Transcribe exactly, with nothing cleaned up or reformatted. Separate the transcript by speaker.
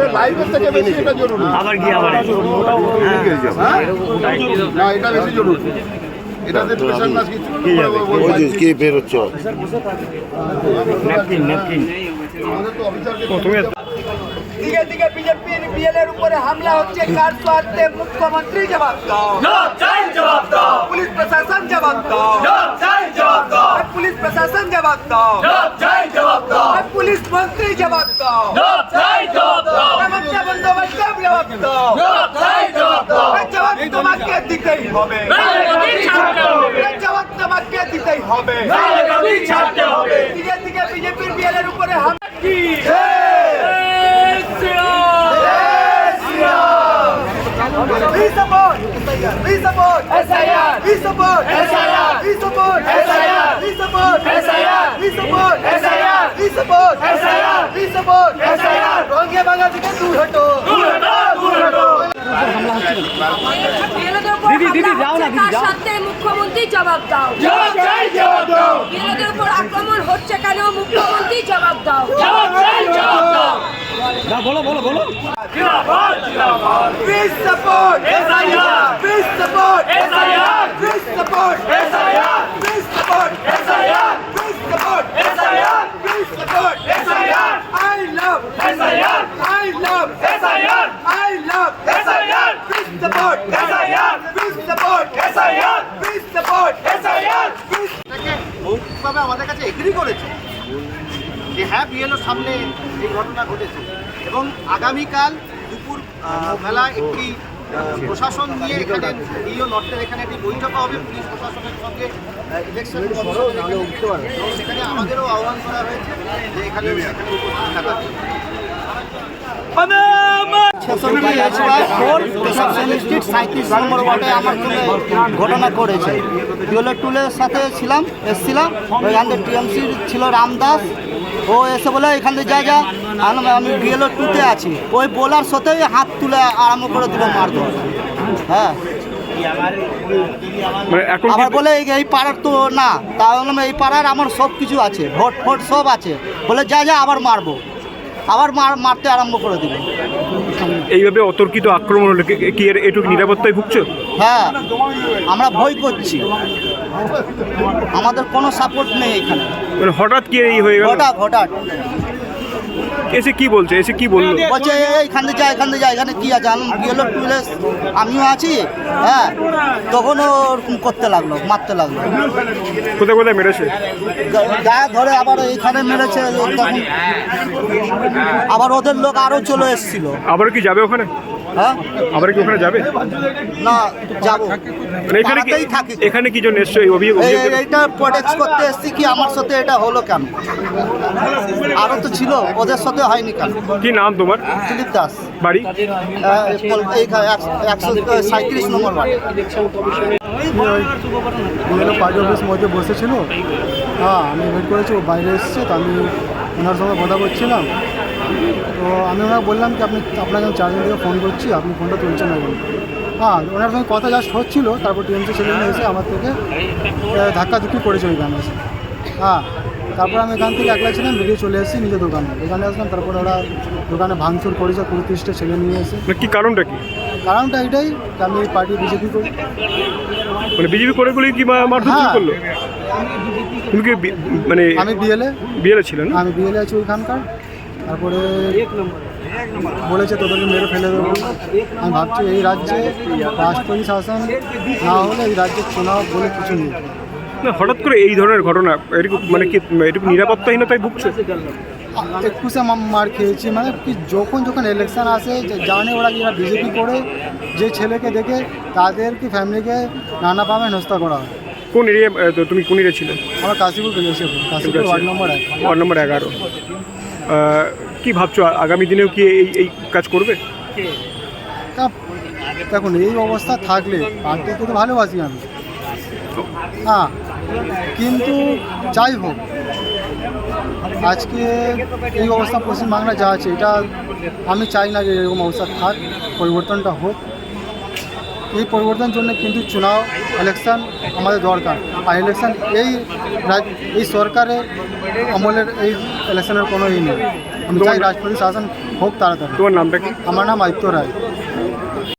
Speaker 1: লাইফের থেকে বেশি এটা জরুরি।
Speaker 2: আবার কি আবার
Speaker 1: না, এটা বেশি জরুরি। এটাতে প্রেশার না কিছু
Speaker 3: কি বের হচ্ছে
Speaker 2: ন্যাপকিন ন্যাপকিন
Speaker 1: আমাদের তো অফিসারকে
Speaker 4: দিকে দিকে বিজেপি বিএলএর উপরে হামলা হচ্ছে, কার স্বার্থে? মুখ্যমন্ত্রী জবাব দাও, জবাব দাও। পুলিশ প্রশাসন জবাব দাও, জবাব দাও। পুলিশ প্রশাসন জবাব দাও, জবাব দাও। পুলিশ মন্ত্রী জবাব দাও, জবাব দাও। মমতা বন্দ্যোপাধ্যায় জবাব দাও, জবাব দাও। জবাব তোমাকে দিতেই হবে, জবাব তোমাকে দিতেই হবে। দিকে দিকে বিজেপির বিএলএর উপরে হামলা কি We support! We support! S I R! We support! S I R! We support! S I R! We support! S I R! We support! S I R! We support! S I R! We support! S I R! রঙে বাংলা থেকে দূর হটো, দূর হটো, দূর হটো।
Speaker 5: দিদি দিদি যাও না দিদি যাও। সাথে মুখ্যমন্ত্রী জবাব দাও,
Speaker 4: জবাব চাই, জবাব দাও।
Speaker 5: বিরোধীদের উপর আক্রমণ হচ্ছে কেন? মুখ্যমন্ত্রী জবাব দাও,
Speaker 4: জবাব চাই, জবাব দাও।
Speaker 2: না বলো বলো বলো
Speaker 4: জিন্দাবাদ, জিন্দাবাদ। We support S I R! We support S I R! We support S I R! We support S I R! We support S I R! We support S I R! I love S I R! I love S I R! I love S I R! We support S I R! We support S I R! We support S I R!
Speaker 6: মৌখিকভাবে আমাদের কাছে agri করেছে যে হ্যাঁ বিএলওর সামনে এই ঘটনা ঘটেছে এবং আগামীকাল দুপুর বেলা একটি প্রশাসন নিয়ে এখানে ডিও নর্থের এখানে একটি বৈঠক হবে পুলিশ প্রশাসনের সঙ্গে ইলেকশন এবং সেখানে আমাদেরও আহ্বান করা হয়েছে যে এখানে সেখানে উপস্থিত থাকার জন্য। সাঁত্রিশ নম্বর ওয়ার্ডে আমার সঙ্গে ঘটনা করেছে। বিএলও টুলের সাথে ছিলাম, এসছিলাম। ওইখান থেকে টিএমসির ছিল রামদাস, ও এসে বলে এখান থেকে যা যা আমি বিএলও টুতে আছি। ওই বলার সাথেই হাত তুলে আরম্ভ করে দিল মারধর। হ্যাঁ, আবার বলে এই পাড়ার তো না, তাহলে এই পাড়ার আমার সব কিছু আছে, ভোট ফোট সব আছে। বলে যা যা আবার মারবো, আবার মার মারতে আরম্ভ করে দিল।
Speaker 7: এইভাবে অতর্কিত আক্রমণ হলে কি এর এটুকু নিরাপত্তায় ভুগছো?
Speaker 6: হ্যাঁ, আমরা ভয় করছি, আমাদের কোনো সাপোর্ট নেই এখানে।
Speaker 7: মানে হঠাৎ কি এই হয়ে গেল?
Speaker 6: হঠাৎ হঠাৎ
Speaker 7: এসে কি বলছে? এসে কি বললো?
Speaker 6: বলছে এইখান থেকে যা, এখান থেকে যা, এখানে কি আছে? আমি বিএলও টুলেস আমিও আছি। হ্যাঁ, তখন ওরকম করতে লাগলো, মারতে লাগলো।
Speaker 7: কোথায় কোথায় মেরেছে?
Speaker 6: গায়ে ধরে আবার এইখানে মেরেছে। তখন আবার ওদের লোক আরও চলে এসেছিল।
Speaker 7: আবার কি যাবে ওখানে?
Speaker 6: হ্যাঁ,
Speaker 7: আবার কি ওখানে যাবে?
Speaker 6: না, যাবো।
Speaker 7: এখানে কি
Speaker 6: থাকি,
Speaker 7: এখানে কি জন্য এসছো? এই অভিযোগ
Speaker 6: এইটা প্রোটেক্ট করতে এসছি কি আমার সাথে এটা হলো কেন? আরও তো ছিল, ওদের সাথে হয়নি কেন?
Speaker 7: কি নাম তোমার?
Speaker 6: দিলীপ দাস।
Speaker 7: বাড়ি?
Speaker 6: একশো সাঁত্রিশ নম্বর বাড়ি।
Speaker 8: বিএলও পার্টি অফিস মধ্যে বসেছিল। হ্যাঁ, আমি ওয়েট করেছি, ও বাইরে এসেছে, তো আমি ওনার সঙ্গে কথা বলছিলাম। তো আমি ওনাকে বললাম কি আপনি আপনাকে আমি চারজন থেকে ফোন করছি, আপনি ফোনটা তুলছেন না কেন? হ্যাঁ, ওনার সঙ্গে কথা জাস্ট হচ্ছিল। তারপর টিএমসি ছেলেমেয়ে এসে আমার থেকে ধাক্কাধুক্কি করেছে ওইখানে এসে। হ্যাঁ, তারপর আমি এখান থেকে একলা ছিলাম, বেরিয়ে চলে এসেছি নিজের দোকানে। এখানে আসলাম, তারপরে ওরা দোকানে ভাঙচুর করেছে, পঁয়ত্রিশটা ছেলে নিয়ে এসে।
Speaker 7: কি কারণটা কি?
Speaker 8: কারণটা এটাই যে আমি এই পার্টি বিজেপি করি।
Speaker 7: মানে বিজেপি করে বলে কি মারধর করলো? তুমি কি মানে
Speaker 8: আমি বিএলএ
Speaker 7: বিএলএ ছিলেন?
Speaker 8: আমি বিএলএ আছি ওইখানকার। তারপরে বলেছে তোদেরকে মেরে ফেলে দেবো। আমি ভাবছি এই রাজ্যে রাষ্ট্রপতি শাসন না হলে এই রাজ্যে চুনাও বলে কিছু নেই।
Speaker 7: না, হঠাৎ করে এই ধরনের ঘটনা, এটুকু মানে কি এটুকু নিরাপত্তাহীনতায় ভুগছে?
Speaker 8: একুশে মার খেয়েছি, মানে কি যখন যখন ইলেকশন আসে জানে ওরা যারা বিজেপি করে যে ছেলেকে দেখে তাদেরকে ফ্যামিলিকে নানাভাবে হেনস্থা করা হয়।
Speaker 7: কোন এরিয়া তুমি কোন এরিয়া ছিলে?
Speaker 8: আমার কাশীপুর পেয়েছি, কাশীপুর ওয়ার্ড নম্বর এক
Speaker 7: ওয়ার্ড নম্বর এগারো। কি ভাবছো আগামী দিনেও কি এই এই কাজ করবে?
Speaker 8: দেখুন, এই অবস্থা থাকলে পার্টিকে তো ভালোবাসি আমি, হ্যাঁ, কিন্তু যাই হোক আজকে এই অবস্থা পশ্চিমবাংলা যা আছে এটা আমি চাই না যে এরকম অবস্থা থাক, পরিবর্তনটা হোক। এই পরিবর্তনের জন্য কিন্তু চুনাও ইলেকশন আমাদের দরকার। আর ইলেকশন এই এই সরকারের আমলের এই ইলেকশনের কোনো ই নেই। আমি
Speaker 7: তোমার
Speaker 8: চাই রাষ্ট্রপতি শাসন হোক তাড়াতাড়ি।
Speaker 7: তোমার নামটা কি?
Speaker 8: আমার নাম আদিত্য রায়।